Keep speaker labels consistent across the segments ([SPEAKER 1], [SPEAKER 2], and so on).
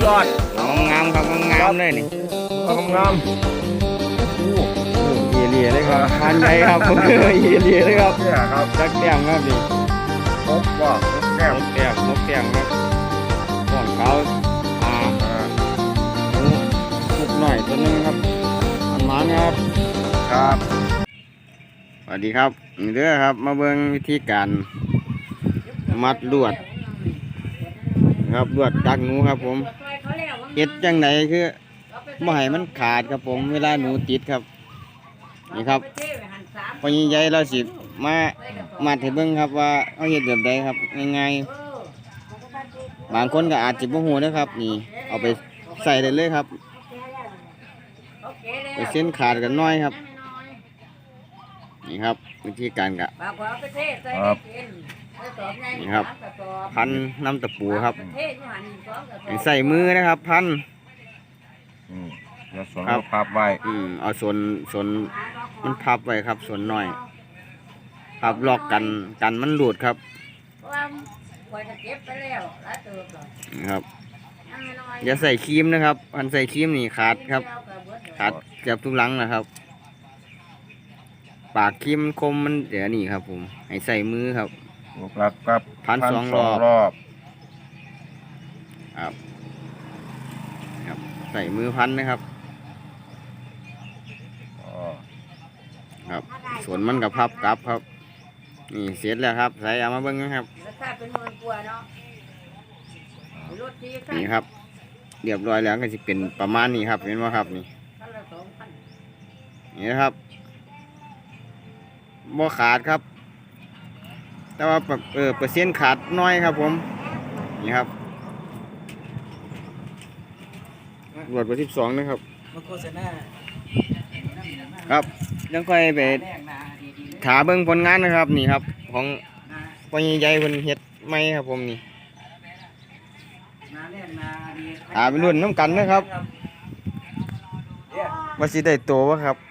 [SPEAKER 1] ยอด
[SPEAKER 2] งามครับงามเลยนี่
[SPEAKER 1] งาม
[SPEAKER 2] เลียเลยครับพันใหญ่ครับเลียเลยครับ
[SPEAKER 1] เนี่ยครับ
[SPEAKER 2] จักแต้มครับนี่
[SPEAKER 1] ครบว่าแก้ม
[SPEAKER 2] นกแต้มครับก่อนเขาลูกหน่อยตัวนึงครับมันครับ
[SPEAKER 1] ครับ
[SPEAKER 2] สวัสดีครับนี่เด้อครับมาเบิ่งวิธีการมัดลวดครับลวดดักหนูครับผมเฮ็ดจังไหนคือไม่ให้มันขาดครับผมเวลาหนูติดครับนี่ครับพอใหญ่ๆเราสิมามัดให้เบิ่งครับว่าเอาเฮ็ดแบบใดครับง่ายๆบางคนก็อาจจะบ่ฮู้นะครับนี่เอาไปใส่ได้เลยครับไปเส้นขาดกันน้อยครับนี่ครับวิธีการกะนี่ครับพันน้ำตะปูครับใส่มือนะครับพัน
[SPEAKER 1] แล้วส่วนพับไว้
[SPEAKER 2] เอาส่วนมันพับไว้ครับส่วนน้อยพับลอกกันมันหลุดครับนี่ครับอย่าใส่ครีมนะครับพันใส่ครีมนี่ขาดครับขาดเกือบทุกหลังนะครับปากครีมคมมันเดี๋ยวนี่ครับผมให้ใส่มือครับ
[SPEAKER 1] ครับ
[SPEAKER 2] พันสองรอบครับใส่มือพันนะครับครับส่วนมันกับพับกลับครับนี่เสร็จแล้วครับใส่เอามาเบิ้งนะครับนี่ครับเรียบร้อยแล้วก็จะเป็นประมาณนี้ครับเห็นไหมครับนี่นี่นะครับบ่ขาดครับแต่ว่าเปอร์เซ็นต์ขาดน้อยครับผมนี่ครับรวดไป12นะครับครับยังค่อยไปถาเบิ้งผลงานนะครับนี่ครับของพ่อใหญ่ๆคนเฮ็ดไม่ครับผมนี่ถาไปรุ่นน้ำกันนะครับว่าสิได้โตวะครับ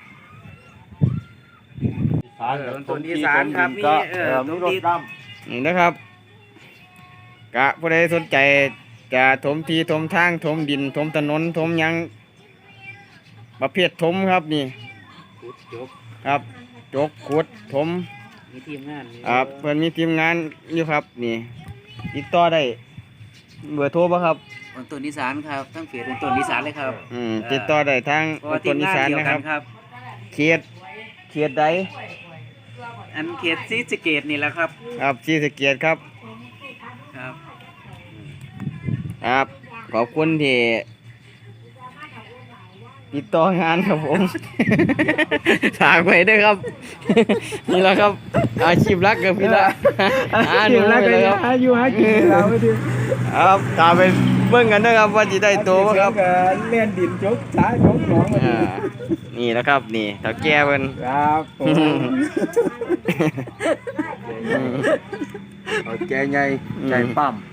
[SPEAKER 1] ต้นอีสานครับนี่ต้นรถด
[SPEAKER 2] ำนี่นะครับกะผู้ใดสนใจจะถมทีถมทางถมดินถมถนนถมยังประเภทถมครับนี่ครับจกขุดถม
[SPEAKER 3] มีทีมงาน
[SPEAKER 2] เพื่อนมีทีมงานอยู่ครับนี่ติดต่อได้เบอร์โทรป่ะครับ
[SPEAKER 3] ต้นอีสานครับทั้งเฟซต้นอีสานเลยครับ
[SPEAKER 2] ติดต่อได้ทางต้นอีสานนะครับเขตใด
[SPEAKER 3] อันเขตศรีสะเกษนี่แหละครับ
[SPEAKER 2] ครับศรีสะเกษครับครับขอบคุณที่ติดต่องานครับผมฝากไว้ด้วยครับนี่แหละครับอาชีพรักกับพี่ละ
[SPEAKER 1] อาชีพรักเลยครับอายุหากินเราไม่ถึง
[SPEAKER 2] ครับตามไปเบิ่งกันนะครับว่าจะได้โตไหมครับ
[SPEAKER 1] เล่นดินจกช้าจกหนอง
[SPEAKER 2] นี่นะครับนี่เฒ่าแก่เพิ่น
[SPEAKER 1] ครับแกใหญ่ใจปั้ม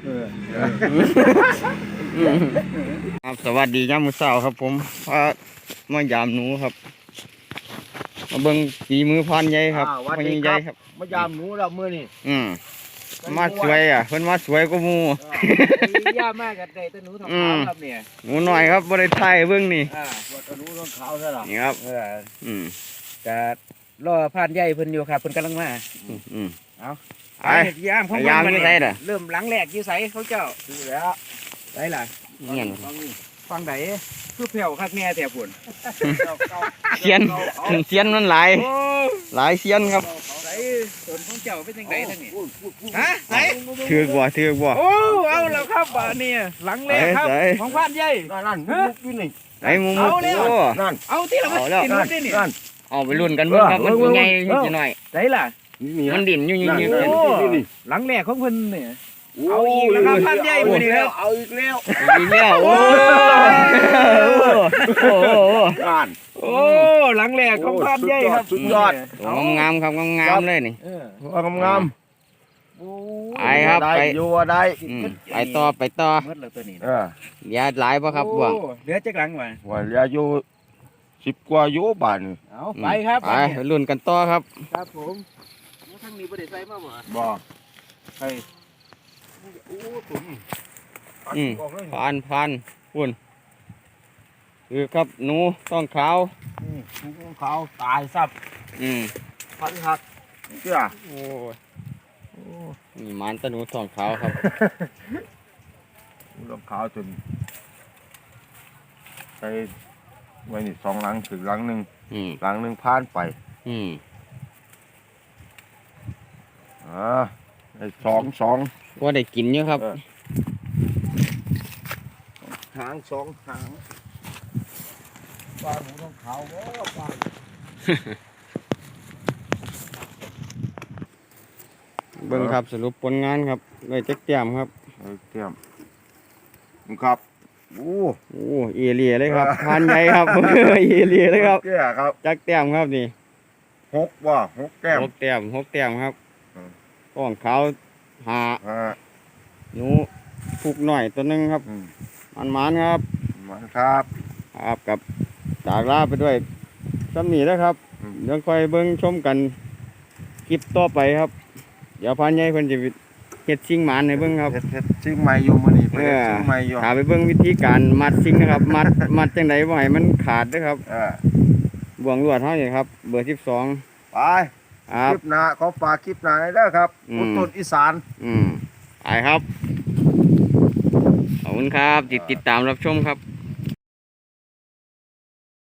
[SPEAKER 2] ครับสวัสดียามมื้อเช้าครับผมมายามหนูครับมาเบิ่งฝีมือพานใหญ่ครับพานใหญ่ครับ
[SPEAKER 1] มายามหนูเราเมื่อนี่
[SPEAKER 2] มาสวยเพิ่นมาสวยกว่าหมู่
[SPEAKER 1] ย่ามากกันได้แต่หนูทำขาวครับเนี่ย
[SPEAKER 2] หนูน้อยครับบ่ได้ถ่ายเบิ่งนี่
[SPEAKER 1] ว่าแต่หนูต้องขาวซะล่ะ
[SPEAKER 2] นี่ครับ
[SPEAKER 3] จะรอพานใหญ่เพิ่นอยู่ครับเพิ่นกำลังมาเอา
[SPEAKER 2] ไอ้
[SPEAKER 3] ยามของ
[SPEAKER 2] มัน
[SPEAKER 3] เริ่มหลังแรกอยู่ไสเขาเจ้า
[SPEAKER 1] คือแล้ว
[SPEAKER 3] ได้ล่ะ
[SPEAKER 2] เงี้ย
[SPEAKER 3] ฟังไหนคือเพียวคักแม่แต่ผล
[SPEAKER 2] เซียนมันหลายเซียนครับ
[SPEAKER 3] ไหนส่วนของเจ้าเป็นยังไงทั้งนี้ฮะไหน
[SPEAKER 2] ถือกว่า
[SPEAKER 3] โอ้เอาแล้วครับบ้านนี่หลังแรกครับของพานใหญ่
[SPEAKER 1] นั่นมุกอยู่นี่
[SPEAKER 2] ไอ้มุก
[SPEAKER 1] นั่น
[SPEAKER 3] เอาที่เรา
[SPEAKER 1] กินมุกนี่
[SPEAKER 2] นี่เอาไปรุ่นกันเบิ่งครับมันยังไงนิดหน่อย
[SPEAKER 3] ได้ล่ะ
[SPEAKER 2] มันดิ่นอยู่
[SPEAKER 3] หลังแรกของเพิ่นเนี่ยเอาอีกแล้วครับพันใหญ่มือนี้แล้ว
[SPEAKER 1] เอาอีกแล้ว
[SPEAKER 2] โอ้
[SPEAKER 3] หลังแรกของพันใหญ่ครับ
[SPEAKER 1] สุดยอด
[SPEAKER 2] งามครับงามเลยนี่
[SPEAKER 1] งาม
[SPEAKER 2] ไปครับไป
[SPEAKER 1] อยู่ได้
[SPEAKER 2] ไปต่อ
[SPEAKER 3] เมื่อเราตัวนี้
[SPEAKER 2] เหลือหลายป่ะครับบ่วง
[SPEAKER 3] เหลือจักหลัง
[SPEAKER 1] ว่าเหลืออยู่10 กว่าอยู่บ้าน
[SPEAKER 3] เอาไปครับ
[SPEAKER 2] ไปรุ่นกันต่อครับ
[SPEAKER 3] ครับผมทั้งนี้บ่ได้ใส่มา
[SPEAKER 1] บ่
[SPEAKER 3] ใส่
[SPEAKER 2] พันคุณคือครับหนูต้องขาว
[SPEAKER 1] ภูเขาตายซับ
[SPEAKER 2] อืม
[SPEAKER 1] พันหักเชื่อ
[SPEAKER 2] โอ้ยนี่มันตะหนูทองขาวครับ
[SPEAKER 1] ลงขาวจนไปไว้นี่2 หลังถึงหลังหนึ่ง
[SPEAKER 2] อืม
[SPEAKER 1] หลังหนึ่งผ่านไป
[SPEAKER 2] อืม
[SPEAKER 1] ไอ้สอง
[SPEAKER 2] ว่าได้กินเยอะครับ
[SPEAKER 1] หาง2 หางปลาหนูต้องขาวโอ้ปลา
[SPEAKER 2] เบิ่งครับสรุปผลงานครับได้จักแต้มครับ
[SPEAKER 1] เตรียมครับโอ้
[SPEAKER 2] โอ้เอเลียเลยครับพานใหญ่ครับ เอเลียเลยครับ
[SPEAKER 1] แก่ครับ
[SPEAKER 2] จักแต้มครับนี่
[SPEAKER 1] 6 แก้ม
[SPEAKER 2] 6 แต้ม6 แต้มครับ
[SPEAKER 1] อืม
[SPEAKER 2] ท้องขาวหา
[SPEAKER 1] อ่า
[SPEAKER 2] หนูผูกหน่อยตัวหนึงครับ
[SPEAKER 1] อืม
[SPEAKER 2] มันครับ
[SPEAKER 1] มันครับ
[SPEAKER 2] ครับกับจากลาไปด้วยซ้ำนี้นะครับ
[SPEAKER 1] อืม
[SPEAKER 2] เดี๋ยวค่อยเบิ่งชมกันคลิปต่อไปครับ เดี๋ยวพานใหญ่เพิ่นจะเฮ็ดชิงหมานให้เบิ่งครับ
[SPEAKER 1] เฮ็ดชิงใหม่อยู่มื้อนี้ไปเฮ็ดชิงใหม่อยู่
[SPEAKER 2] ถาไปเบิ่งวิธีการมัดชิงนะครับ มัดจังไดบ่ให้มันขาดเด้อครับ บ่วงลวดเฮานี่ครับ เบอร์ 12
[SPEAKER 1] ไป
[SPEAKER 2] ครับ
[SPEAKER 1] คลิปหน้าขอฝากคลิปหน้าหน่อยเด้อครับ
[SPEAKER 2] อืม
[SPEAKER 1] คุณต้นอีสาน
[SPEAKER 2] ไปครับ ขอบคุณครับ ติดตามรับชมครับ